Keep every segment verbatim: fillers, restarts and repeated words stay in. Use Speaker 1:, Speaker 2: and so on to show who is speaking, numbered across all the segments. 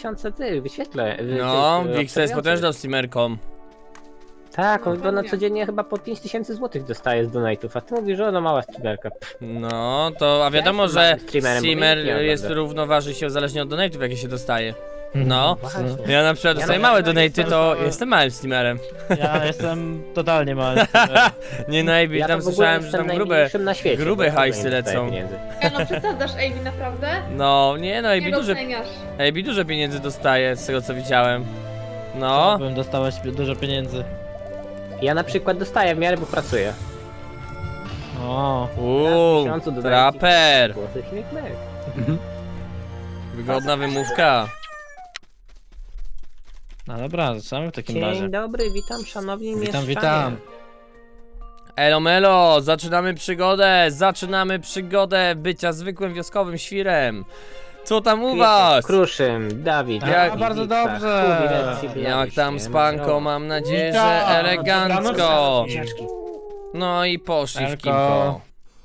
Speaker 1: tysiące tych wyświetle.
Speaker 2: No,
Speaker 1: tych,
Speaker 2: Wixa jest potężną streamerką.
Speaker 1: Tak, on
Speaker 3: No,
Speaker 1: na
Speaker 3: pewnie.
Speaker 1: codziennie chyba po pięć tysięcy złotych dostaje z donate'ów, a ty mówisz, że ona mała streamerka.
Speaker 2: No, to a wiadomo,
Speaker 1: jestem
Speaker 2: że
Speaker 1: małym streamerem, bo
Speaker 2: streamer
Speaker 1: nikt nie
Speaker 2: jest
Speaker 1: ogląda.
Speaker 2: równoważy się zależnie od donate'ów, jakie się dostaje. No,
Speaker 1: Właśnie.
Speaker 2: ja na przykład
Speaker 1: Ja
Speaker 2: dostaję
Speaker 1: na
Speaker 2: małe
Speaker 1: przykład
Speaker 2: donate'y,
Speaker 1: jestem-
Speaker 2: to jestem małym streamerem.
Speaker 4: Ja jestem totalnie mały.
Speaker 2: Nie no, Ejbi,
Speaker 1: Ja
Speaker 2: tam
Speaker 1: to w ogóle
Speaker 2: słyszałem, że
Speaker 1: jestem
Speaker 2: tam grube,
Speaker 1: najmniejszym na świecie,
Speaker 2: grube
Speaker 1: bo
Speaker 2: hajsy
Speaker 1: nie dostaję
Speaker 2: lecą.
Speaker 1: pieniędzy.
Speaker 3: Ja no przesadzasz, Amy, naprawdę?
Speaker 2: No, nie no,
Speaker 3: Nie
Speaker 2: Ejbi duże,
Speaker 3: doceniasz.
Speaker 2: Ejbi dużo pieniędzy dostaje, z tego co widziałem. No,
Speaker 4: Bym dostałeś dużo pieniędzy.
Speaker 1: Ja na przykład dostaję w miarę, bo pracuję.
Speaker 4: O,
Speaker 2: uuu,
Speaker 1: miesiącu dodaję
Speaker 2: traper.
Speaker 1: Złotych śmiech myk.
Speaker 2: Wygodna wymówka.
Speaker 4: no dobra, zaczynamy w takim razie.
Speaker 1: Dzień dobry, witam szanowni
Speaker 4: Witam,
Speaker 1: mieszczanie.
Speaker 4: witam.
Speaker 2: Elo melo, zaczynamy przygodę, zaczynamy przygodę bycia zwykłym wioskowym świrem. Co tam u was?
Speaker 1: Kruszym, Dawid.
Speaker 4: A,
Speaker 2: Jak-
Speaker 4: bardzo dobrze.
Speaker 2: Jak tam z panką, mam nadzieję, że
Speaker 4: Witam.
Speaker 2: elegancko. No i poszli w
Speaker 4: Elko.
Speaker 2: kimpo.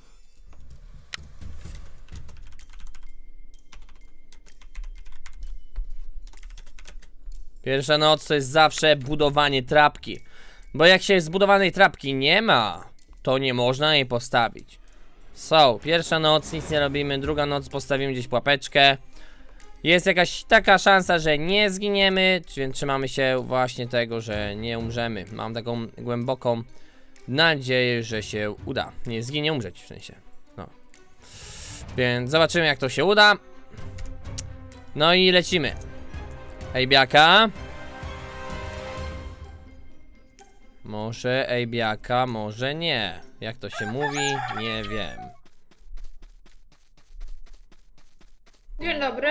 Speaker 2: Pierwsza noc to jest zawsze budowanie trapki. Bo jak się zbudowanej trapki nie ma, to nie można jej postawić. So, pierwsza noc nic nie robimy, druga noc postawimy gdzieś pułapeczkę. Jest jakaś taka szansa, że nie zginiemy, więc trzymamy się właśnie tego, że nie umrzemy. Mam taką głęboką nadzieję, że się uda. Nie zginie, umrzeć w sensie. No. Więc zobaczymy, jak to się uda. No i lecimy. Ejbiaka. Może Ejbiaka, może nie. Jak to się mówi? Nie wiem.
Speaker 3: Dzień dobry.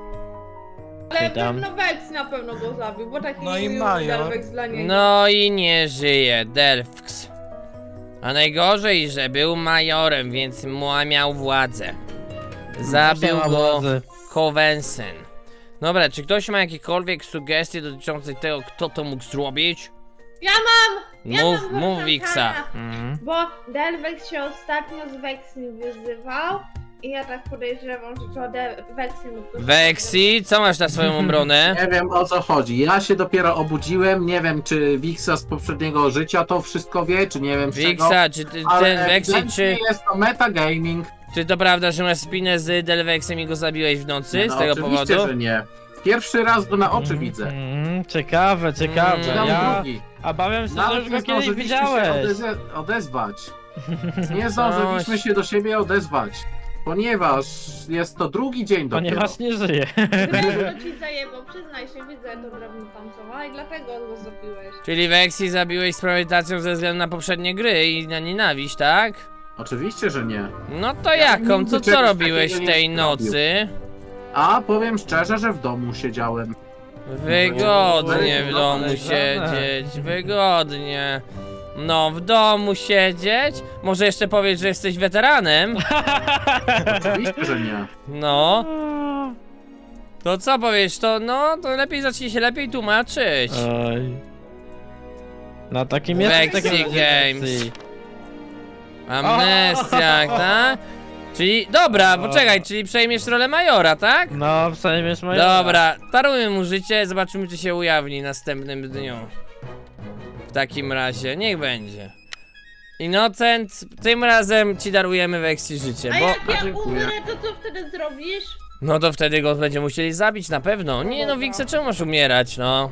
Speaker 3: Ale
Speaker 4: Witam.
Speaker 3: pewno Vex na pewno go zabił, bo taki
Speaker 5: No i
Speaker 3: mówił,
Speaker 5: Major.
Speaker 3: że Vex dla niego.
Speaker 2: No i nie żyje, Delfks. A najgorzej, że był majorem, więc mu- miał władzę. Zabił
Speaker 4: Proszę,
Speaker 2: go
Speaker 4: władzy.
Speaker 2: Covensen. Dobra, czy ktoś ma jakiekolwiek sugestie dotyczące tego, kto to mógł zrobić?
Speaker 3: Ja mam! Ja
Speaker 2: Mów,
Speaker 3: mam
Speaker 2: mów
Speaker 3: rozwiązania.
Speaker 2: Wiksa.
Speaker 4: Mhm.
Speaker 3: Bo Delvex się ostatnio z Vexim wyzywał i ja tak podejrzewam, że to De- Vexi mógł go
Speaker 2: Vexi, co masz na swoją obronę?
Speaker 5: Nie wiem o co chodzi. Ja się dopiero obudziłem. Nie wiem, czy Wixa z poprzedniego życia to wszystko wie, czy nie wiem z czego.
Speaker 2: Wiksa, czy ty,
Speaker 5: Ale
Speaker 2: ten Vexi,
Speaker 5: ewidentnie
Speaker 2: czy,
Speaker 5: jest to metagaming.
Speaker 2: czy to prawda, że masz spinę z Delvexem i go zabiłeś w nocy
Speaker 5: No,
Speaker 2: z tego
Speaker 5: oczywiście,
Speaker 2: powodu?
Speaker 5: że nie. Pierwszy raz go na oczy
Speaker 4: Mhm,
Speaker 5: widzę.
Speaker 4: mhm, ciekawe, ciekawe.
Speaker 2: Mm.
Speaker 5: Czytam
Speaker 4: Ja
Speaker 5: drugi.
Speaker 4: obawiam się, że
Speaker 5: Nawet
Speaker 4: już
Speaker 5: nie
Speaker 4: go kiedyś
Speaker 5: zdążyliśmy się
Speaker 4: widziałeś.
Speaker 5: odeze odezwać. Nie zdążyliśmy się do siebie odezwać. Ponieważ jest to drugi dzień dopiero.
Speaker 4: Ponieważ nie żyje.
Speaker 3: Drewno ci zajebał, przyznaj się, widzę to drewno tam co ma i dlatego go zabiłeś.
Speaker 2: Czyli Vexi zabiłeś z premedytacją ze względu na poprzednie gry i na nienawiść, tak?
Speaker 5: Oczywiście, że nie.
Speaker 2: No to
Speaker 5: Ja
Speaker 2: jaką?
Speaker 5: nigdy
Speaker 2: To co
Speaker 5: czegoś
Speaker 2: robiłeś
Speaker 5: takiego
Speaker 2: w tej
Speaker 5: nie
Speaker 2: nocy?
Speaker 5: A powiem szczerze, że w domu siedziałem.
Speaker 2: Wygodnie w domu
Speaker 4: Podejrzane.
Speaker 2: siedzieć, wygodnie. No, w domu siedzieć? Może jeszcze powiedz, że jesteś weteranem?
Speaker 5: Oczywiście, że nie.
Speaker 2: No, to co powiesz? To no, to lepiej zacznij się lepiej tłumaczyć.
Speaker 4: Oj. No takim jest
Speaker 2: Vexi
Speaker 4: takim
Speaker 2: Games. Amnestiak, tak? Czyli, dobra,
Speaker 4: O.
Speaker 2: poczekaj, czyli przejmiesz rolę majora, tak?
Speaker 4: No, przejmiesz moje.
Speaker 2: Dobra, darujmy mu życie, zobaczymy czy się ujawni następnym dniu. W takim razie, niech będzie. Innocent, tym razem ci darujemy Vexi życie,
Speaker 3: A
Speaker 2: bo...
Speaker 3: jak ja
Speaker 5: dziękuję.
Speaker 3: umrę, to co wtedy zrobisz?
Speaker 2: No to wtedy go będziemy musieli zabić na pewno. Nie no, Wixa, czemu masz umierać, no?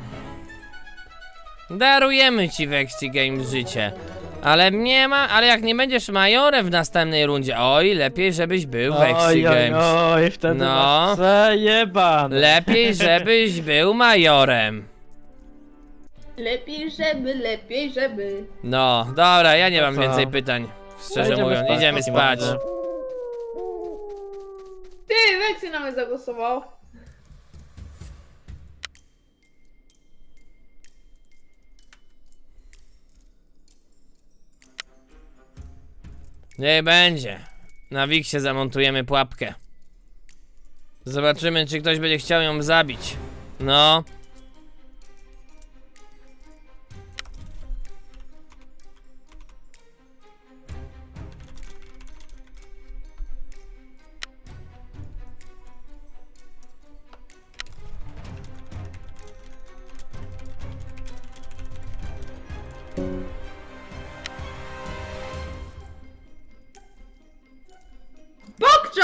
Speaker 2: Darujemy ci Vexi Games życie. Ale nie ma, ale jak nie będziesz majorem w następnej rundzie, oj, lepiej żebyś był Vexi
Speaker 4: Oj, oj,
Speaker 2: Games.
Speaker 4: oj, wtedy
Speaker 2: No.
Speaker 4: no. Przejeban.
Speaker 2: Lepiej żebyś był majorem.
Speaker 3: Lepiej żeby, lepiej żeby.
Speaker 2: No, dobra, ja nie
Speaker 4: To
Speaker 2: mam
Speaker 4: co?
Speaker 2: więcej pytań. Szczerze
Speaker 4: Idziemy
Speaker 2: mówiąc,
Speaker 4: spać w
Speaker 2: idziemy
Speaker 4: takim
Speaker 2: spać.
Speaker 4: razie.
Speaker 3: Ty, Vexi na mnie zagłosował.
Speaker 2: Nie będzie. Na Wixie zamontujemy pułapkę. Zobaczymy, czy ktoś będzie chciał ją zabić. No.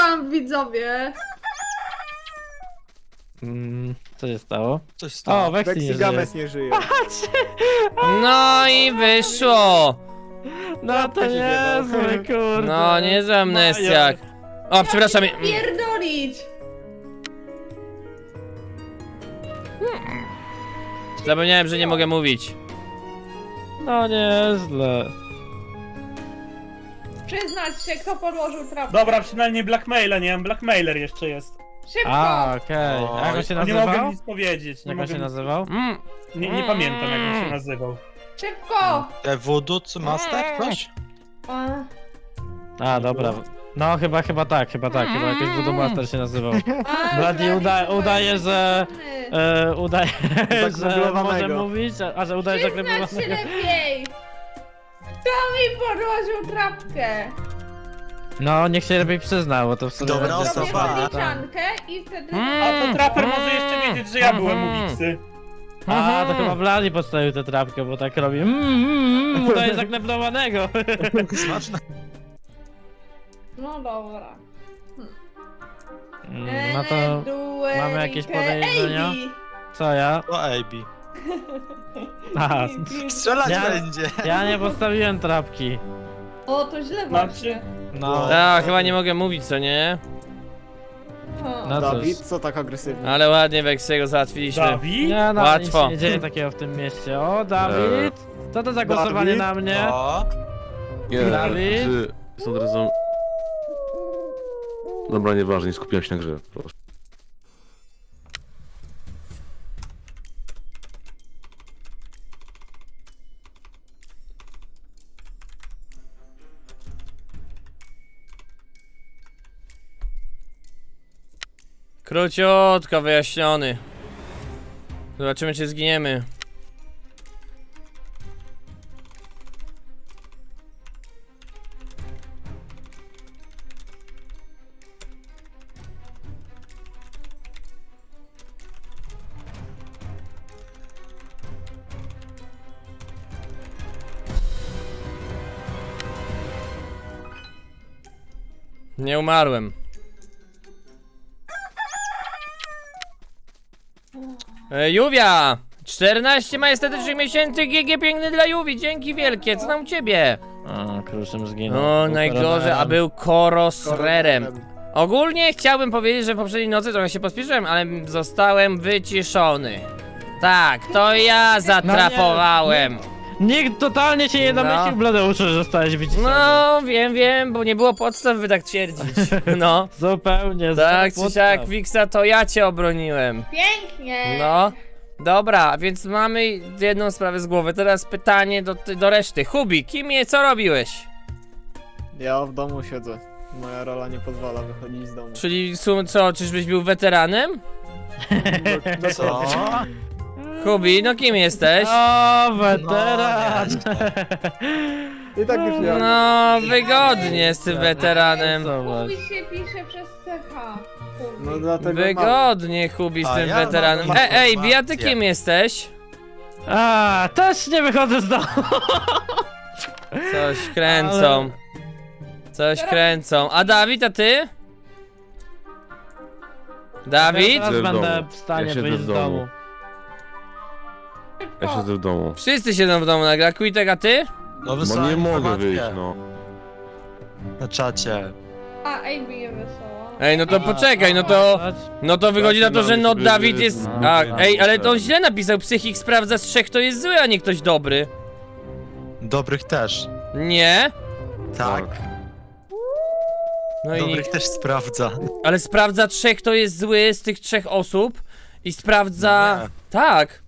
Speaker 3: tam, widzowie.
Speaker 4: Mm, co się stało?
Speaker 6: Coś stało.
Speaker 4: O, Vexy nie żyje.
Speaker 7: Vexigames nie żyje.
Speaker 2: No i wyszło!
Speaker 4: No to
Speaker 7: się
Speaker 4: niezły, kurde.
Speaker 2: No, niezły amnestiak. O, przepraszam.
Speaker 3: Pierdolić.
Speaker 2: Zapomniałem, że nie mogę mówić.
Speaker 4: No nieźle.
Speaker 3: Przyznać się, kto podłożył trapkę.
Speaker 8: Dobra, przynajmniej blackmaila, nie wiem, blackmailer jeszcze jest.
Speaker 3: Szybko.
Speaker 4: A, okej.
Speaker 6: Oj.
Speaker 4: A jak on się
Speaker 8: No nie mogę
Speaker 4: nazywał?
Speaker 8: nic powiedzieć, nie
Speaker 4: Jak on
Speaker 8: mogę
Speaker 4: się
Speaker 8: nic...
Speaker 4: nazywał?
Speaker 2: Mm.
Speaker 8: Nie, nie pamiętam jak on się nazywał.
Speaker 3: Szybko.
Speaker 6: E, Voodoo Master? Coś?
Speaker 3: A,
Speaker 4: A, dobra. No chyba, chyba tak, chyba tak, chyba jakoś Voodoo Master się nazywał.
Speaker 3: a,
Speaker 4: Bloody uda,
Speaker 3: Bloody
Speaker 4: udaje, że... E, udaje, że
Speaker 7: Zakneblowanego.
Speaker 4: może mówić, a, a że udaje
Speaker 3: Przyznać się
Speaker 4: zakneblowanego.
Speaker 3: lepiej. Kto mi podłożył trapkę?
Speaker 4: No, niech się lepiej przyznał, bo to w sumie...
Speaker 6: Dobra
Speaker 4: będzie-
Speaker 3: Zrobię
Speaker 6: osoba.
Speaker 3: podliczankę i wtedy...
Speaker 2: Mm.
Speaker 8: A to traper może jeszcze wiedzieć, że ja byłem u Wiksy.
Speaker 4: A, to chyba Bloody podstawił tę trapkę, bo tak robi mm, mm, mm, udaje zakneblowanego.
Speaker 6: Smaczne.
Speaker 3: No dobra.
Speaker 4: Mm, No to...
Speaker 3: Duelike
Speaker 4: mamy jakieś podejrzenia?
Speaker 3: A B.
Speaker 4: Co ja?
Speaker 6: To A B.
Speaker 4: Aha,
Speaker 6: Strzelać
Speaker 4: Ja-
Speaker 6: będzie.
Speaker 4: ja nie postawiłem trapki.
Speaker 3: O, to źle
Speaker 8: Znaczy-
Speaker 3: właśnie.
Speaker 4: No,
Speaker 2: A, chyba nie mogę mówić, co nie?
Speaker 3: O.
Speaker 4: no cóż.
Speaker 7: Dawid, co tak agresywnie?
Speaker 2: Ale ładnie Wexiego załatwiliśmy.
Speaker 8: Dawid?
Speaker 4: Nie, no,
Speaker 2: Łatwo.
Speaker 4: nic się nie dzieje takiego w tym mieście. O, Dawid! Co to za głosowanie
Speaker 7: Dawid?
Speaker 4: na mnie?
Speaker 6: O,
Speaker 9: Nie,
Speaker 4: Dawid?
Speaker 9: czy z od razu... Dobra, nieważne, nie skupiłem się na grze, proszę.
Speaker 2: Króciutko wyjaśniony. Zobaczymy, czy zginiemy. Nie umarłem. E, Juwia! czternaście majestetycznych miesięcy G G piękny dla Juwi, dzięki wielkie, co tam u ciebie?
Speaker 4: O, kruszym zginął.
Speaker 2: No,
Speaker 4: Był
Speaker 2: najgorzej,
Speaker 4: koronelem.
Speaker 2: a był korosrerem. Ogólnie chciałbym powiedzieć, że poprzedniej nocy trochę się pospieszyłem, ale zostałem wyciszony. Tak, to ja zatrapowałem.
Speaker 4: Nikt totalnie się nie
Speaker 2: No.
Speaker 4: domyślił, Bladeuszu, że zostałeś wyciszony.
Speaker 2: No, wiem, wiem, bo nie było podstaw, by tak twierdzić. No.
Speaker 4: Zupełnie.
Speaker 2: Tak,
Speaker 4: zero
Speaker 2: czy siak,
Speaker 4: podstaw.
Speaker 2: Wiksa, to ja cię obroniłem.
Speaker 3: Pięknie.
Speaker 2: No. Dobra, więc mamy jedną sprawę z głowy. Teraz pytanie do, do reszty. Hubi, kim je, co robiłeś?
Speaker 7: Ja w domu siedzę. Moja rola nie pozwala wychodzić z domu.
Speaker 2: Czyli sum, co, czyżbyś był weteranem?
Speaker 7: No,
Speaker 6: co?
Speaker 2: Hubi, no kim jesteś?
Speaker 4: O, weteran!
Speaker 7: I tak już nie mam.
Speaker 2: No, wygodnie z tym weteranem.
Speaker 4: Zobacz.
Speaker 3: Mówi się pisze przez C H.
Speaker 7: No dlatego mam.
Speaker 2: Wygodnie, Hubi, z
Speaker 6: A
Speaker 2: tym
Speaker 6: ja mam
Speaker 2: weteranem. E, ej, Bia, ty
Speaker 6: informację.
Speaker 2: kim jesteś?
Speaker 4: A, też nie wychodzę z domu.
Speaker 2: Coś kręcą. Coś kręcą. A Dawid, a ty? Dawid?
Speaker 4: Teraz
Speaker 9: Siedzę w
Speaker 4: będę
Speaker 9: domu.
Speaker 4: w stanie
Speaker 9: Ja siedzę
Speaker 4: wyjść
Speaker 9: w
Speaker 4: z
Speaker 9: domu.
Speaker 4: domu.
Speaker 9: Ja siedzę w domu.
Speaker 2: Wszyscy siedzą w domu nagle. Quitek, a ty?
Speaker 6: No
Speaker 9: Bo
Speaker 6: wysłałem
Speaker 9: nie mogę
Speaker 6: informację
Speaker 9: wyjść, no.
Speaker 6: Na czacie.
Speaker 3: A A B je wesoła.
Speaker 2: Ej, no to poczekaj, no to... No to wychodzi na to, że no Dawid jest... A, ej, ale to on źle napisał. Psychik sprawdza z trzech, kto jest zły, a nie ktoś dobry.
Speaker 6: Dobrych też.
Speaker 2: Nie?
Speaker 6: Tak.
Speaker 2: No i...
Speaker 6: Dobrych też sprawdza.
Speaker 2: Ale sprawdza trzech, kto jest zły z tych trzech osób. I sprawdza...
Speaker 6: Nie.
Speaker 2: Tak.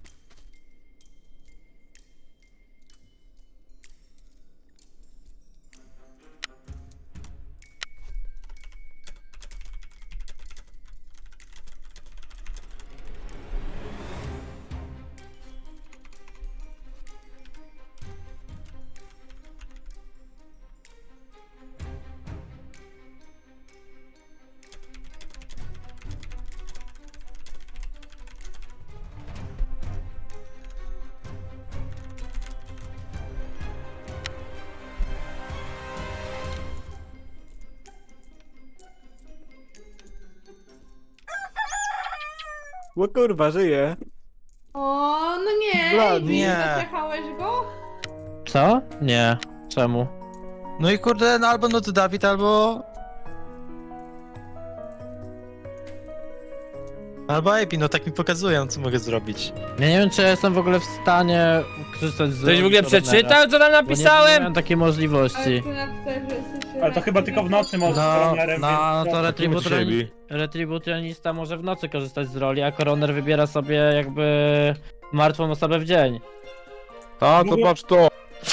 Speaker 7: O kurwa, żyje.
Speaker 3: O, no nie,
Speaker 7: Blady.
Speaker 3: Ej,
Speaker 6: Nie.
Speaker 3: zaczekałeś go?
Speaker 4: Co? Nie. Czemu?
Speaker 6: No i kurde, no albo no to Dawid, albo... Albo A B, no tak mi pokazują, co mogę zrobić.
Speaker 4: Ja nie wiem, czy ja jestem w ogóle w stanie korzystać z...
Speaker 2: Ktoś w ogóle
Speaker 4: Coronera,
Speaker 2: przeczytał, co tam
Speaker 4: bo Nie, nie
Speaker 2: napisałem?
Speaker 4: miałem takiej
Speaker 3: Ale
Speaker 4: możliwości.
Speaker 3: ty napisałeś, że jesteś...
Speaker 8: Ale to chyba tylko w nocy możesz z
Speaker 4: No,
Speaker 8: koronerem,
Speaker 4: no,
Speaker 8: więc...
Speaker 4: to
Speaker 9: Kim
Speaker 4: retribution,
Speaker 9: siebie?
Speaker 4: retributionista może w nocy korzystać z roli, a koroner wybiera sobie jakby martwą osobę w dzień.
Speaker 9: A, to patrz to!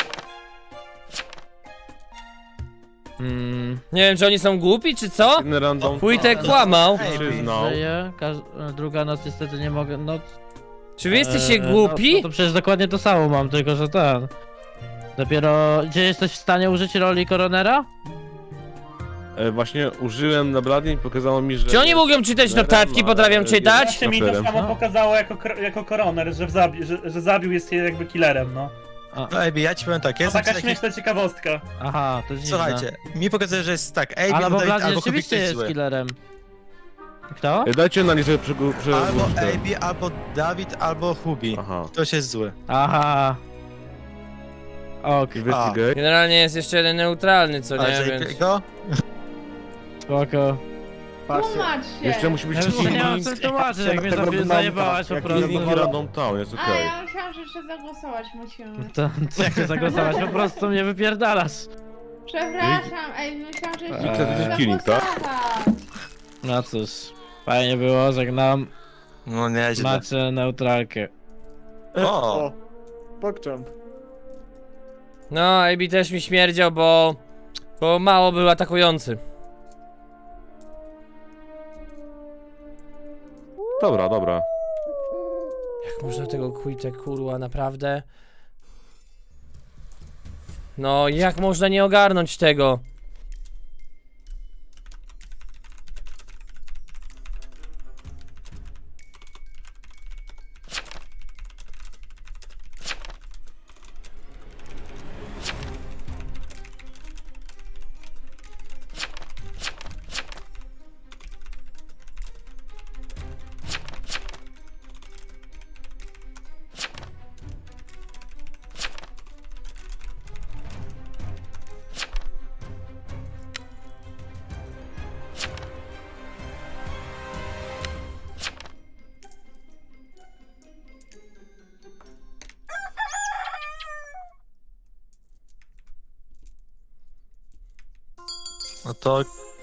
Speaker 4: Mm.
Speaker 2: Nie wiem, czy oni są głupi, czy co?
Speaker 9: Inny random.
Speaker 2: Wójtek kłamał.
Speaker 6: Ej,
Speaker 9: Przyznał.
Speaker 4: Żyje, każ- druga noc niestety nie mogę, no...
Speaker 2: Czy wy jesteście
Speaker 4: Eee, No,
Speaker 2: głupi?
Speaker 4: no to przecież dokładnie to samo mam, tylko że ten... Dopiero... Gdzie jesteś w stanie użyć roli koronera?
Speaker 9: E, właśnie użyłem na Blady i pokazało mi, że...
Speaker 2: Czy oni mogą czytać notatki, potrafią czytać?
Speaker 8: Właśnie mi to
Speaker 9: Saperem.
Speaker 8: samo
Speaker 4: No.
Speaker 8: pokazało jako, kor- jako koroner, że, zabi że, że zabił jest jakby killerem, no.
Speaker 6: No A B, ja ci powiem tak, ja
Speaker 8: To
Speaker 6: jestem
Speaker 8: taka
Speaker 6: taki...
Speaker 8: śmieszna ciekawostka.
Speaker 4: Aha, to jest dziwne.
Speaker 6: Słuchajcie, mi pokazuje, że jest tak, A B,
Speaker 4: Ale
Speaker 6: no
Speaker 4: bo
Speaker 6: Dawid,
Speaker 4: Blady
Speaker 6: albo Kubik
Speaker 4: rzeczywiście
Speaker 6: jest
Speaker 4: jest
Speaker 6: zły.
Speaker 4: killerem. Kto?
Speaker 9: E, dajcie na nie, żeby przegu... Prze...
Speaker 6: Albo A B, albo Dawid, albo Hubi.
Speaker 9: Aha.
Speaker 6: Ktoś jest zły.
Speaker 4: Aha. Ok,
Speaker 9: Investigate.
Speaker 2: Generalnie jest jeszcze jeden neutralny, co
Speaker 6: A
Speaker 2: nie, więc...
Speaker 6: J-Go?
Speaker 4: spoko.
Speaker 7: Patrzcie.
Speaker 3: Tłumacz się.
Speaker 9: Jeszcze musi być
Speaker 4: Ja już nie
Speaker 9: killing.
Speaker 4: mam co tłumaczyć, jak mnie
Speaker 7: tego
Speaker 4: zabi-
Speaker 7: wygląda,
Speaker 4: zajebałaś po
Speaker 7: jak
Speaker 4: prostu.
Speaker 9: Killing random town, jest
Speaker 3: A,
Speaker 9: okej.
Speaker 3: ja myślałam, że jeszcze zagłosować musimy.
Speaker 4: To, co jak się zagłosować, po prostu mnie wypierdalasz.
Speaker 3: Przepraszam, ej, myślałam, że jeszcze
Speaker 4: Eee.
Speaker 3: musimy
Speaker 9: To jest killing, tak?
Speaker 3: zagłosować.
Speaker 4: No cóż, fajnie było, żegnam.
Speaker 6: No nieźle.
Speaker 4: Macie neutralkę.
Speaker 6: O!
Speaker 7: O, pokczam.
Speaker 2: No, A B też mi śmierdział, bo... Bo mało był atakujący.
Speaker 9: Dobra, dobra.
Speaker 2: Jak można tego quitę, kurwa, naprawdę? No, jak można nie ogarnąć tego?
Speaker 6: No to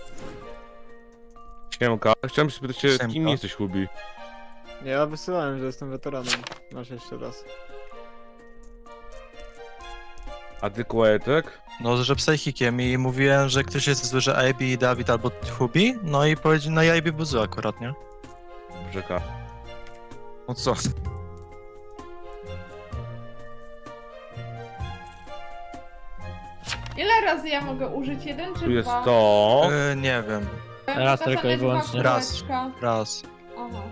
Speaker 9: Siemka. Chciałem się spytać się,
Speaker 6: Siemka.
Speaker 9: kim jesteś, Hubi?
Speaker 7: Ja wysyłałem, że jestem weteranem. Masz jeszcze raz.
Speaker 9: A ty Kłajetek?
Speaker 6: No, że psychikiem i mówiłem, że ktoś jest zły, że A B i Dawid albo Hubi, no i powiedział, no i A B był zły akurat, nie?
Speaker 9: Rzeka.
Speaker 6: No co?
Speaker 3: Ile razy ja mogę użyć? Jeden czy
Speaker 9: Tu jest
Speaker 3: dwa?
Speaker 9: to...
Speaker 6: Yy, nie wiem,
Speaker 3: Będą
Speaker 4: Raz
Speaker 3: to
Speaker 4: tylko
Speaker 3: same
Speaker 4: i wyłącznie.
Speaker 3: dwa
Speaker 6: Raz.
Speaker 3: kółeczka.
Speaker 6: raz.
Speaker 3: Aha.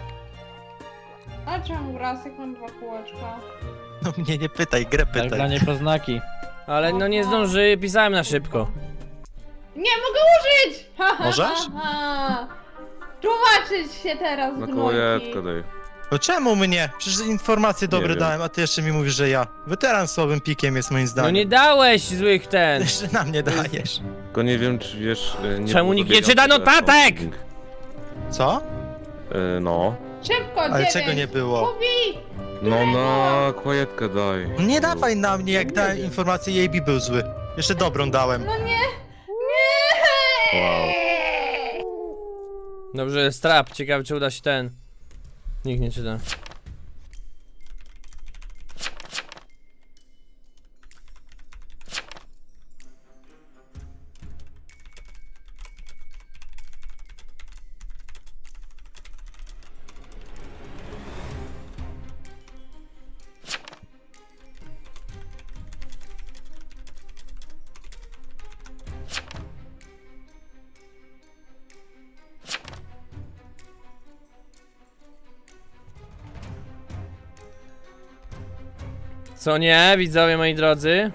Speaker 3: A czemu raz, jak mam dwa kółeczka?
Speaker 6: No mnie nie pytaj, grę
Speaker 4: Tak dla
Speaker 6: pytaj.
Speaker 4: niepoznaki.
Speaker 2: Ale no nie zdąży, pisałem na szybko.
Speaker 3: Nie mogę użyć! Ha, ha,
Speaker 6: Możesz?
Speaker 3: ha, ha. Tłumaczyć się teraz,
Speaker 9: Na
Speaker 3: gnojki.
Speaker 9: Kłajetkę daj.
Speaker 6: No czemu mnie? Przecież informacje dobre
Speaker 9: wiem.
Speaker 6: dałem, a ty jeszcze mi mówisz, że ja. Weteran słabym pikiem jest moim
Speaker 2: No
Speaker 6: zdaniem.
Speaker 2: nie dałeś złych ten.
Speaker 6: Jeszcze na mnie dajesz.
Speaker 9: Tylko nie wiem, czy wiesz... e, Nie
Speaker 2: Czemu
Speaker 9: było
Speaker 2: nikt nie
Speaker 9: dobiegał
Speaker 2: czyta
Speaker 9: tego
Speaker 2: notatek?
Speaker 9: accounting.
Speaker 6: Co?
Speaker 9: E, no.
Speaker 3: Szybko,
Speaker 6: Ale
Speaker 3: dziewięć.
Speaker 6: czego nie było?
Speaker 3: Kubi!
Speaker 9: No na Kłajetkę daj.
Speaker 6: No nie dawaj na mnie, jak dałem informację i A B był zły. Jeszcze dobrą dałem.
Speaker 3: No nie! Nie!
Speaker 9: Wow.
Speaker 2: Dobrze, strap, ciekawe czy uda się ten. Nikt nie czyta. Co nie, widzowie moi drodzy?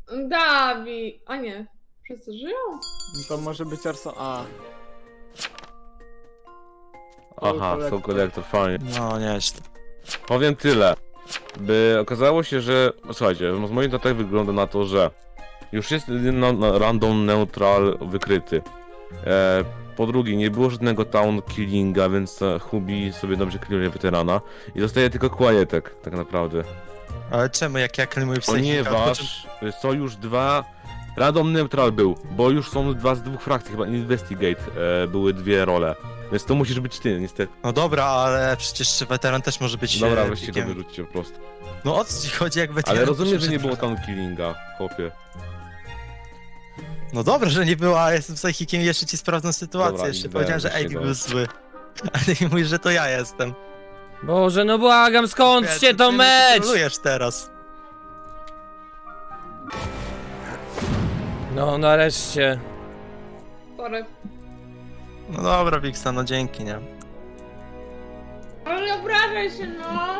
Speaker 3: Gabi. A nie. Wszyscy żyją?
Speaker 7: To może być Arson... A.
Speaker 9: Aha, są kolektor, fajnie.
Speaker 6: No, nieźle.
Speaker 9: Powiem tyle. By okazało się, że... Słuchajcie, z moich notatek wygląda na to, że już jest na, na random neutral wykryty. E, po drugie, nie było żadnego town killinga, więc e, Hubi sobie dobrze kliruje weterana. I zostaje tylko Quietek, tak naprawdę.
Speaker 6: Ale czemu, jak ja klimuję psychika?
Speaker 9: Ponieważ są już dwa... Random neutral był, bo już są dwa z dwóch frakcji, chyba Investigate e, były dwie role. Więc to musisz być ty, niestety.
Speaker 6: No dobra, ale przecież weteran też może być...
Speaker 9: Dobra,
Speaker 6: e,
Speaker 9: weźcie to
Speaker 6: geekiem.
Speaker 9: wyrzućcie po prostu.
Speaker 6: No o co ci chodzi, jak weteran...
Speaker 9: Ale rozumiem, że nie
Speaker 6: przecież-
Speaker 9: było town killinga, chłopie.
Speaker 6: No dobra, że nie było, a jestem psychikiem i jeszcze ci sprawdzam sytuację.
Speaker 9: Dobra,
Speaker 6: jeszcze
Speaker 9: idź
Speaker 6: powiedziałem, że
Speaker 9: weź
Speaker 6: A B
Speaker 9: go.
Speaker 6: był zły. A ty mówisz, że to ja jestem.
Speaker 2: Boże, no błagam, skończcie
Speaker 6: Ty
Speaker 2: to
Speaker 6: mnie
Speaker 2: mecz!
Speaker 6: kontrolujesz teraz.
Speaker 2: No, nareszcie.
Speaker 3: Sorry.
Speaker 6: No dobra, Wiksa, no dzięki, nie?
Speaker 3: Ale nie obrażaj się, no.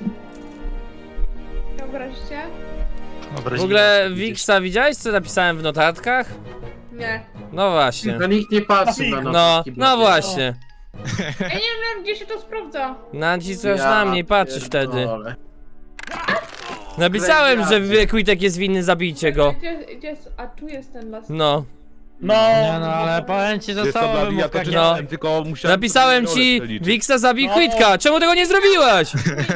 Speaker 3: Nie obraź się?
Speaker 6: Dobra,
Speaker 2: W ogóle, Wiksa, widziałeś co napisałem w notatkach?
Speaker 3: Nie.
Speaker 2: No właśnie.
Speaker 5: Na nikt nie patrzy na
Speaker 2: No,
Speaker 5: notatki,
Speaker 2: no
Speaker 5: bo-
Speaker 2: właśnie.
Speaker 3: Ja nie wiem, gdzie się to sprawdza.
Speaker 2: Naciskasz
Speaker 5: Ja
Speaker 2: na mnie i patrzysz wtedy.
Speaker 5: pierdolę.
Speaker 2: Napisałem, że Quitek jest winny, zabijcie go.
Speaker 3: Gdzie, gdzie jest... A tu jest ten las.
Speaker 2: No.
Speaker 8: No,
Speaker 4: Nie no, ale powiem ci, że
Speaker 9: Wiesz co,
Speaker 4: cała
Speaker 9: Blady, ja to
Speaker 4: wymówka
Speaker 9: czytałem,
Speaker 2: No.
Speaker 9: tylko musiałem...
Speaker 2: Napisałem
Speaker 9: rolę
Speaker 2: ci,
Speaker 9: przeliczyć.
Speaker 2: Wiksa zabij
Speaker 8: No.
Speaker 2: Quitka, czemu tego nie zrobiłaś?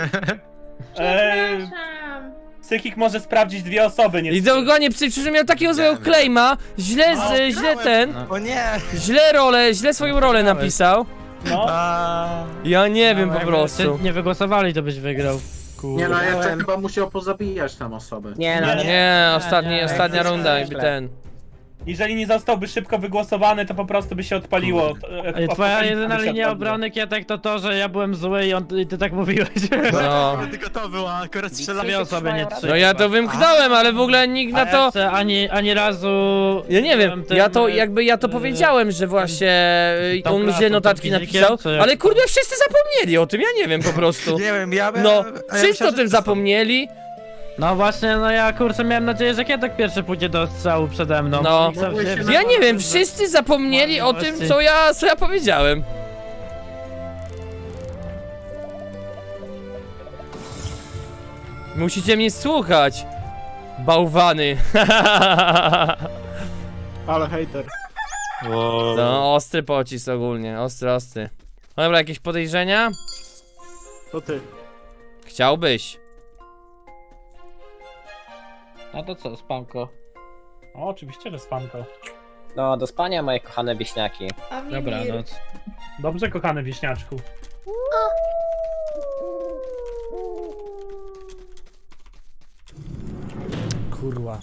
Speaker 8: e,
Speaker 3: Przepraszam.
Speaker 8: psychik może sprawdzić dwie osoby, nie
Speaker 2: I
Speaker 8: trzy.
Speaker 2: dokładnie, przecież miał takiego złego
Speaker 6: wiem.
Speaker 2: claima, źle,
Speaker 6: No,
Speaker 2: z, źle ten,
Speaker 6: O nie!
Speaker 2: źle rolę, źle swoją rolę napisał.
Speaker 8: No.
Speaker 6: A...
Speaker 2: Ja nie wiem
Speaker 4: No,
Speaker 2: po
Speaker 4: jakby
Speaker 2: prostu.
Speaker 4: cię nie wygłosowali, to byś wygrał.
Speaker 5: Nie no, jeszcze
Speaker 1: Byłem.
Speaker 5: chyba musiał pozabijać tam osoby.
Speaker 1: Nie, no
Speaker 8: Nie,
Speaker 1: ale...
Speaker 2: Nie, ostatni,
Speaker 4: nie,
Speaker 2: ostatnia
Speaker 1: nie,
Speaker 2: runda,
Speaker 1: nie,
Speaker 2: jakby
Speaker 1: źle.
Speaker 2: ten.
Speaker 8: Jeżeli nie zostałby szybko wygłosowany, to po prostu by się odpaliło. E,
Speaker 4: Ej,
Speaker 8: apokalipsa
Speaker 4: Twoja
Speaker 8: by
Speaker 4: jedyna
Speaker 8: się
Speaker 4: linia
Speaker 8: odpaliła.
Speaker 4: obrony, Kietek, to to, że ja byłem zły i, on, i ty tak mówiłeś.
Speaker 2: No.
Speaker 6: Tylko to było, akurat
Speaker 4: Dwie
Speaker 6: strzelałem.
Speaker 4: osoby, nie trzy.
Speaker 2: No ja to wymknąłem, ale w ogóle nikt na
Speaker 4: A
Speaker 2: to...
Speaker 4: jeszcze ani, ani razu...
Speaker 2: Ja nie wiem,
Speaker 4: byłem tym,
Speaker 2: ja to
Speaker 4: e,
Speaker 2: jakby ja to
Speaker 4: e,
Speaker 2: powiedziałem, że właśnie y,
Speaker 4: tą
Speaker 2: on mi źle
Speaker 4: klasą,
Speaker 2: notatki
Speaker 4: tym fizykiem,
Speaker 2: napisał,
Speaker 4: czy jak-
Speaker 2: ale kurde wszyscy zapomnieli o tym, ja nie wiem po prostu.
Speaker 6: Nie wiem, ja bym...
Speaker 2: No,
Speaker 6: a ja
Speaker 2: wszyscy
Speaker 6: myślałem,
Speaker 2: o tym
Speaker 6: że to są-
Speaker 2: zapomnieli.
Speaker 4: No właśnie, no ja kurczę miałem nadzieję, że Kietek pierwszy pójdzie do strzału przede mną.
Speaker 2: No.
Speaker 4: I co
Speaker 5: Mogłeś
Speaker 4: się-
Speaker 5: się
Speaker 2: Ja nie wiem, wszyscy zapomnieli o tym, co ja, co ja powiedziałem. Musicie mnie słuchać. Bałwany.
Speaker 7: Ale hater.
Speaker 6: Wow.
Speaker 2: No, ostry pocisk ogólnie, ostry, ostry. No dobra, jakieś podejrzenia?
Speaker 7: To ty.
Speaker 2: Chciałbyś.
Speaker 4: No to co, spanko.
Speaker 8: O, oczywiście, że spanko.
Speaker 1: No, do spania, moje kochane wieśniaki.
Speaker 3: A mi
Speaker 4: Dobranoc.
Speaker 8: Dobrze, kochany wieśniaczku.
Speaker 2: Kurwa.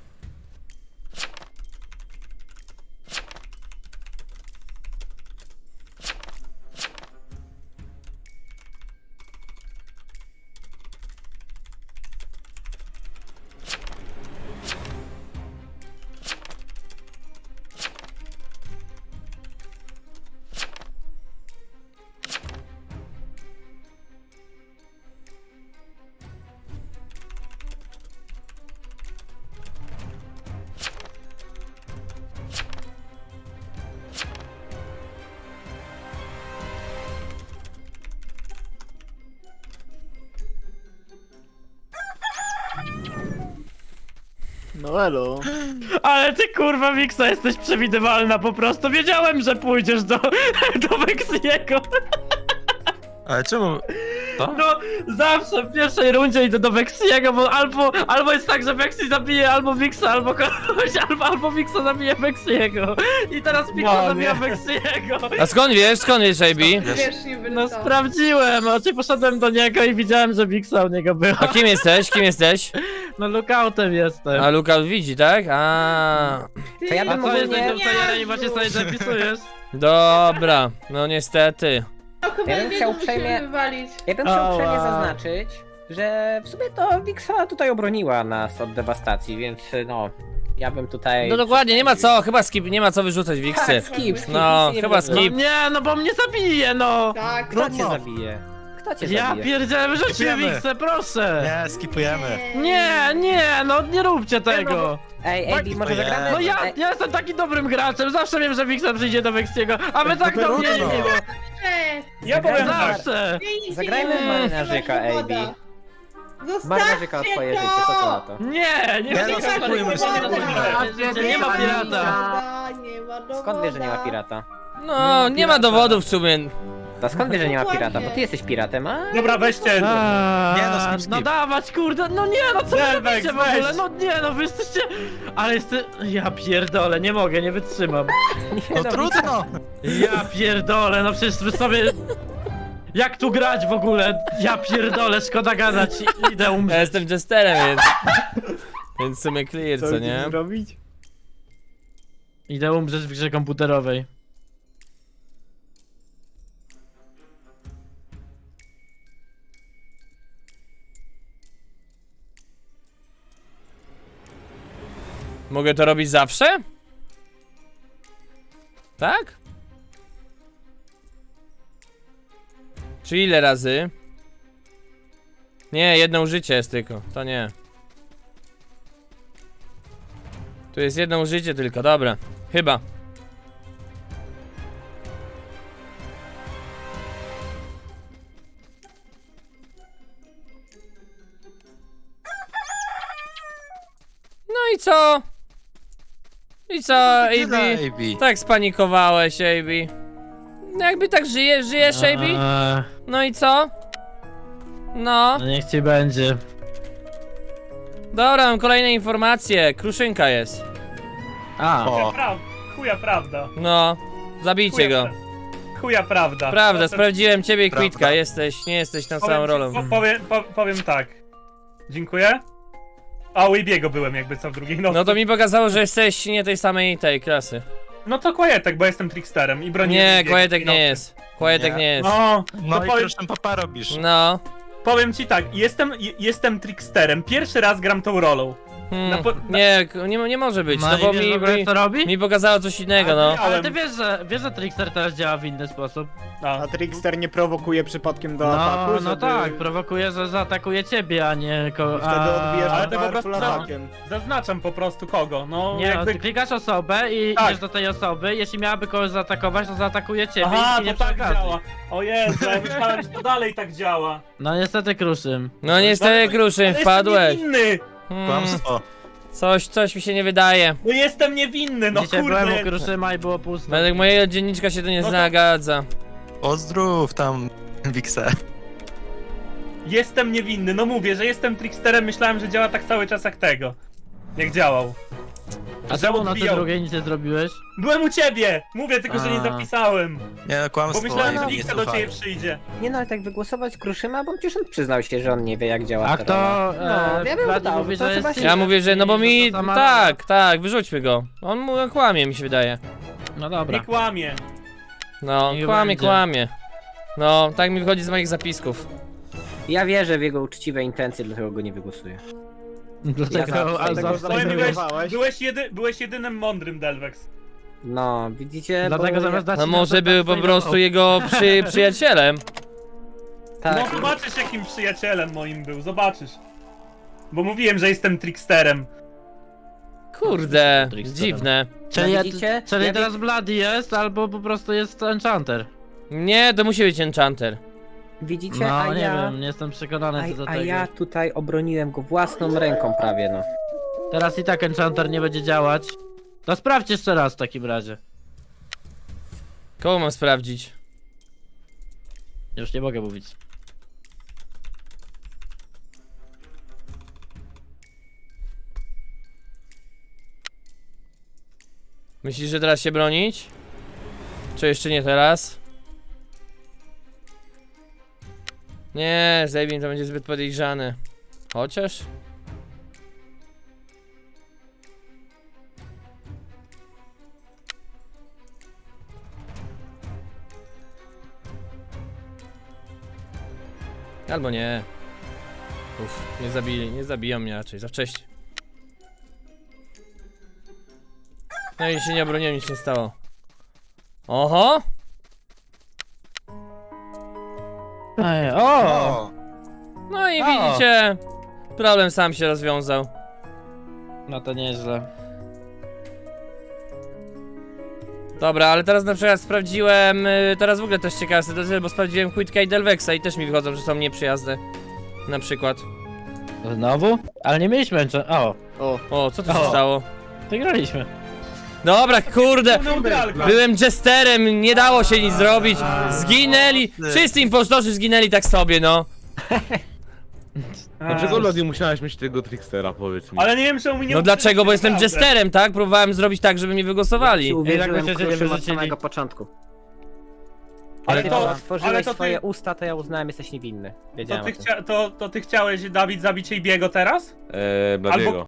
Speaker 7: No elo.
Speaker 4: Ale ty kurwa Wiksa jesteś przewidywalna po prostu. Wiedziałem, że pójdziesz do, do Weksiego.
Speaker 6: Ale czemu? To?
Speaker 4: No zawsze w pierwszej rundzie idę do Weksiego, bo albo, albo jest tak, że Weksi zabije albo Wiksa, albo kogoś, albo, albo Wiksa zabije Weksiego. I teraz Wiksa
Speaker 8: No,
Speaker 4: zabija
Speaker 8: nie.
Speaker 4: Weksiego.
Speaker 2: A skąd wiesz, skąd wiesz, A B?
Speaker 3: Wiesz, nie
Speaker 4: No
Speaker 3: wyleciał.
Speaker 4: sprawdziłem, oczy poszedłem do niego i widziałem, że Wiksa u niego była.
Speaker 2: A kim jesteś? Kim jesteś?
Speaker 4: No lookoutem jestem.
Speaker 2: A Luka widzi, tak? A.
Speaker 3: Ty,
Speaker 1: To ja
Speaker 4: A
Speaker 1: bym
Speaker 4: co
Speaker 1: ogólnie-
Speaker 4: jesteś tym Sajerem i właśnie sobie zapisujesz?
Speaker 2: Dobra, no niestety.
Speaker 3: No chyba
Speaker 1: Ja bym
Speaker 3: jednego
Speaker 1: chciał
Speaker 3: musimy
Speaker 1: uprzejmie-
Speaker 3: wywalić.
Speaker 1: Ja bym chciał
Speaker 4: Ała.
Speaker 1: uprzejmie zaznaczyć, że w sumie to Wiksa tutaj obroniła nas od dewastacji, więc no, ja bym tutaj...
Speaker 2: No dokładnie, nie ma co, chyba skip, nie ma co wyrzucać Wiksy.
Speaker 1: Tak, skip, skip.
Speaker 2: No,
Speaker 1: nic nie
Speaker 2: chyba
Speaker 1: wygląda.
Speaker 2: skip.
Speaker 4: Nie, no bo mnie zabije, no!
Speaker 3: Tak,
Speaker 1: Kto
Speaker 6: No,
Speaker 1: cię
Speaker 6: no.
Speaker 1: zabije? Kto cię
Speaker 4: Ja
Speaker 1: zabije?
Speaker 4: pierdzielę, wyrzućcie
Speaker 6: Skipujemy.
Speaker 4: Wixę, proszę!
Speaker 6: Nie, skipujemy.
Speaker 4: Nie, nie, no nie róbcie tego!
Speaker 1: Ej, Ej, może
Speaker 6: Ojej.
Speaker 1: zagramy?
Speaker 4: No ja,
Speaker 1: Ej,
Speaker 4: ja jestem takim dobrym graczem, zawsze wiem, że Wixa przyjdzie do Wexiego, a wy tak do
Speaker 6: trudno.
Speaker 4: mnie nie było.
Speaker 8: Ja powiem tak.
Speaker 4: Zawsze!
Speaker 1: Zagrajmy w marynarzyka, A B.
Speaker 3: Zostawcie
Speaker 1: Marynarzyka twoje życie, co to na to?
Speaker 4: Nie, nie,
Speaker 6: Nie,
Speaker 4: nie,
Speaker 6: no, skipujmy, skipujmy.
Speaker 4: nie ma pirata.
Speaker 3: Nie ma dowoda.
Speaker 1: Skąd wiesz, że nie ma pirata?
Speaker 2: No, nie ma dowodów w sumie.
Speaker 1: To skąd wiesz, że nie ma pirata? Bo ty jesteś piratem, a?
Speaker 8: Dobra, weźcie.
Speaker 6: Nie, no, skip, skip.
Speaker 4: No dawać, kurde, no nie, no co wy
Speaker 8: Delvex,
Speaker 4: robicie w ogóle,
Speaker 8: weź.
Speaker 4: no nie, no wy jesteście... Ale jeste... Ja pierdolę, nie mogę, nie wytrzymam.
Speaker 6: No trudno.
Speaker 4: Ja pierdolę, no przecież wy sobie... Jak tu grać w ogóle? Ja pierdolę, szkoda gadać, idę
Speaker 2: Ja
Speaker 4: umrzeć.
Speaker 2: jestem jesterem, więc... Więc w sumie clear, co nie?
Speaker 7: zrobić?
Speaker 4: Idę umrzeć w grze komputerowej.
Speaker 2: Mogę to robić zawsze? Tak? Czy ile razy? Nie, jedno użycie jest tylko, to nie. Tu jest jedno użycie tylko, dobra. Chyba. No i co? I co, A B?
Speaker 6: Tyle, A B.
Speaker 2: Tak spanikowałeś, A B. No jakby tak żyjesz, żyjesz, A B?
Speaker 4: Eee,
Speaker 2: No i co? No.
Speaker 4: no niech ci będzie.
Speaker 2: Dobra, mam kolejne informacje. Kruszynka jest.
Speaker 4: A,
Speaker 6: O,
Speaker 8: Pra... Chuja prawda.
Speaker 2: No. Zabijcie
Speaker 8: Chuja,
Speaker 2: go.
Speaker 8: pra- Chuja prawda.
Speaker 2: Prawda,
Speaker 8: Proszę-
Speaker 2: sprawdziłem ciebie i
Speaker 6: Prawda.
Speaker 2: Kwitka. Jesteś, nie jesteś tą
Speaker 8: powiem
Speaker 2: samą
Speaker 8: ci-
Speaker 2: rolą.
Speaker 8: Po, powiem, po, powiem tak. Dziękuję. A u Ibiego byłem jakby co w drugiej nocy.
Speaker 2: No to mi pokazało, że jesteś nie tej samej tej klasy.
Speaker 8: No to Quietek, bo jestem tricksterem i broniłem
Speaker 2: Nie,
Speaker 8: Ibiego
Speaker 2: Kłajetek
Speaker 8: w drugiej
Speaker 2: nie
Speaker 8: nocy.
Speaker 2: jest. Kłajetek
Speaker 6: Nie.
Speaker 2: nie jest.
Speaker 8: No,
Speaker 6: no
Speaker 8: to
Speaker 6: i
Speaker 8: powiem,
Speaker 6: kruszym papa robisz.
Speaker 2: No.
Speaker 8: powiem ci tak, jestem, je- jestem tricksterem. Pierwszy raz gram tą rolą.
Speaker 2: Hmm.
Speaker 8: Na po- na-
Speaker 2: Nie, k- nie, nie może być, no
Speaker 4: i
Speaker 2: bo
Speaker 4: wiesz w
Speaker 2: mi,
Speaker 4: ogóle,
Speaker 2: mi,
Speaker 4: co robi?
Speaker 2: mi pokazało coś innego, no.
Speaker 4: Ale ty wiesz, że, wiesz, że Trickster teraz działa w inny sposób.
Speaker 8: No.
Speaker 7: A Trickster nie prowokuje przypadkiem do
Speaker 4: No,
Speaker 7: ataku,
Speaker 4: no
Speaker 7: żeby...
Speaker 4: tak, prowokuje, że zaatakuje ciebie, a nie ko...
Speaker 7: I wtedy odbijesz
Speaker 8: ale
Speaker 7: ale
Speaker 8: to po prostu
Speaker 7: powerful
Speaker 8: za-
Speaker 7: atakiem.
Speaker 8: Zaznaczam po prostu kogo. No,
Speaker 4: Nie, no,
Speaker 8: jakby...
Speaker 4: ty klikasz osobę i
Speaker 8: Tak.
Speaker 4: idziesz do tej osoby, jeśli miałaby kogoś zaatakować, to zaatakuje ciebie
Speaker 8: Aha,
Speaker 4: i nie
Speaker 8: to tak
Speaker 4: przy okazji.
Speaker 8: działa. O Jezu, ja myślałem, że to dalej tak działa.
Speaker 4: No niestety Kruszym.
Speaker 2: No niestety, Kruszyn,
Speaker 8: Ale
Speaker 2: wpadłeś.
Speaker 8: Jestem niewinny!
Speaker 2: Hmm.
Speaker 6: Kłamstwo.
Speaker 2: Coś, coś mi się nie wydaje.
Speaker 8: No jestem niewinny, no
Speaker 4: Dzisiaj byłem u
Speaker 8: kurde.
Speaker 4: Kruszyma i było pusto.
Speaker 2: Według mojego dzienniczka się to nie
Speaker 8: No to-
Speaker 2: zgadza.
Speaker 6: Pozdrów tam, Wixę.
Speaker 8: Jestem niewinny, no mówię, że jestem tricksterem, myślałem, że działa tak cały czas jak tego. Jak działał.
Speaker 4: A
Speaker 8: że
Speaker 4: czemu na tej
Speaker 8: odbijał.
Speaker 4: drugiej nic nie zrobiłeś?
Speaker 8: Byłem u ciebie! Mówię tylko, że nie
Speaker 4: A.
Speaker 8: zapisałem.
Speaker 6: Nie, no
Speaker 8: Bo
Speaker 6: kłamstwo,
Speaker 8: myślałem,
Speaker 6: A
Speaker 8: że
Speaker 6: B nie
Speaker 8: Wiksa do ciebie
Speaker 6: słuchają.
Speaker 8: przyjdzie.
Speaker 1: Nie no, ale tak wygłosować Kruszyma, bo przecież on przyznał się, że on nie wie jak działa
Speaker 4: A
Speaker 1: ta
Speaker 4: kto...
Speaker 1: rola.
Speaker 4: E,
Speaker 1: No, ja bym
Speaker 4: Vladi
Speaker 1: dał,
Speaker 4: mówi,
Speaker 1: to
Speaker 4: że
Speaker 1: trzeba
Speaker 4: jest...
Speaker 1: się-
Speaker 2: Ja mówię, że no bo mi...
Speaker 4: to sama-
Speaker 2: Tak, tak, wyrzućmy go. On mu kłamie, mi się wydaje.
Speaker 4: No
Speaker 8: Nie
Speaker 4: dobra.
Speaker 8: kłamie.
Speaker 2: No,
Speaker 4: Niech
Speaker 2: kłamie,
Speaker 4: będzie.
Speaker 2: kłamie. No, tak mi wychodzi z moich zapisków.
Speaker 1: Ja wierzę w jego uczciwe intencje, dlatego go nie wygłosuję.
Speaker 4: Dlatego...
Speaker 1: Ja
Speaker 4: a
Speaker 1: zawsze tego
Speaker 4: zawsze-
Speaker 8: Powiem, byłeś,
Speaker 7: Zainteresowałeś?
Speaker 8: byłeś, jedy, byłeś jedynym mądrym Delvex.
Speaker 1: No, widzicie,
Speaker 4: Dlatego
Speaker 1: bo
Speaker 4: zamiast dać
Speaker 2: No
Speaker 4: ci
Speaker 2: może
Speaker 4: na to
Speaker 2: był po
Speaker 4: tak
Speaker 2: prostu jego przy, przyjacielem.
Speaker 1: tak,
Speaker 8: No zobaczysz jakim przyjacielem moim był, zobaczysz. Bo mówiłem, że jestem tricksterem.
Speaker 2: Kurde,
Speaker 4: Tricksterem.
Speaker 2: dziwne.
Speaker 4: Czyli, ja,
Speaker 1: widzicie?
Speaker 4: czyli
Speaker 1: Ja
Speaker 4: teraz Bloody jest, albo po prostu jest Enchanter.
Speaker 2: Nie, to musi być enchanter.
Speaker 1: widzicie,
Speaker 4: No
Speaker 1: a
Speaker 4: nie
Speaker 1: ja...
Speaker 4: wiem, nie jestem przekonany co do
Speaker 1: A, a
Speaker 4: tego.
Speaker 1: ja tutaj obroniłem go własną ręką prawie, no.
Speaker 4: Teraz i tak Enchanter nie będzie działać. To sprawdź jeszcze raz w takim razie.
Speaker 2: Kogo mam sprawdzić?
Speaker 4: Już nie mogę mówić.
Speaker 2: Myślisz, że teraz się bronić? Czy jeszcze nie teraz? Nie, Zebin to będzie zbyt podejrzane. Chociaż? Albo nie. Uff, nie zabili, nie zabiją mnie raczej, za wcześnie. No i się nie obroniłem, nic nie stało. Oho!
Speaker 4: Ej, o!
Speaker 6: O!
Speaker 2: No i
Speaker 4: O.
Speaker 2: widzicie, problem sam się rozwiązał.
Speaker 4: No to nieźle.
Speaker 2: Dobra, ale teraz na przykład sprawdziłem, y, teraz w ogóle też ciekawa sytuacja, bo sprawdziłem Quitka i Delvexa i też mi wychodzą, że są nieprzyjazne. Na przykład.
Speaker 4: Znowu? Ale nie mieliśmy jeszcze. O,
Speaker 7: O,
Speaker 2: O, co tu się
Speaker 4: O.
Speaker 2: stało?
Speaker 4: wygraliśmy.
Speaker 2: Dobra, kurde!
Speaker 8: Neutralka.
Speaker 2: Byłem jesterem, nie dało się nic zrobić. Zginęli, wszyscy impostorzy zginęli tak sobie, no.
Speaker 9: Dlaczego Lodi musiałeś mieć tego trickstera, powiedz mi?
Speaker 8: Ale nie wiem, czemu mi nie
Speaker 2: No dlaczego, bo jestem
Speaker 8: naprawdę.
Speaker 2: jesterem, tak? Próbowałem zrobić tak, żeby mnie wygłosowali.
Speaker 1: Uwierzyłem
Speaker 4: myślę, że nie
Speaker 1: Kruszym od
Speaker 4: wyrzucili.
Speaker 1: samego początku.
Speaker 8: Ale
Speaker 1: Kiedy
Speaker 8: to,
Speaker 1: otworzyłeś
Speaker 8: ale to,
Speaker 1: swoje
Speaker 8: ty,
Speaker 1: usta, to ja uznałem, jesteś niewinny.
Speaker 8: to,
Speaker 1: Wiedziałem
Speaker 8: ty
Speaker 1: o tym.
Speaker 8: chcia, to, to ty chciałeś, Dawid, zabić jej biego teraz?
Speaker 9: Eee, Bladiego.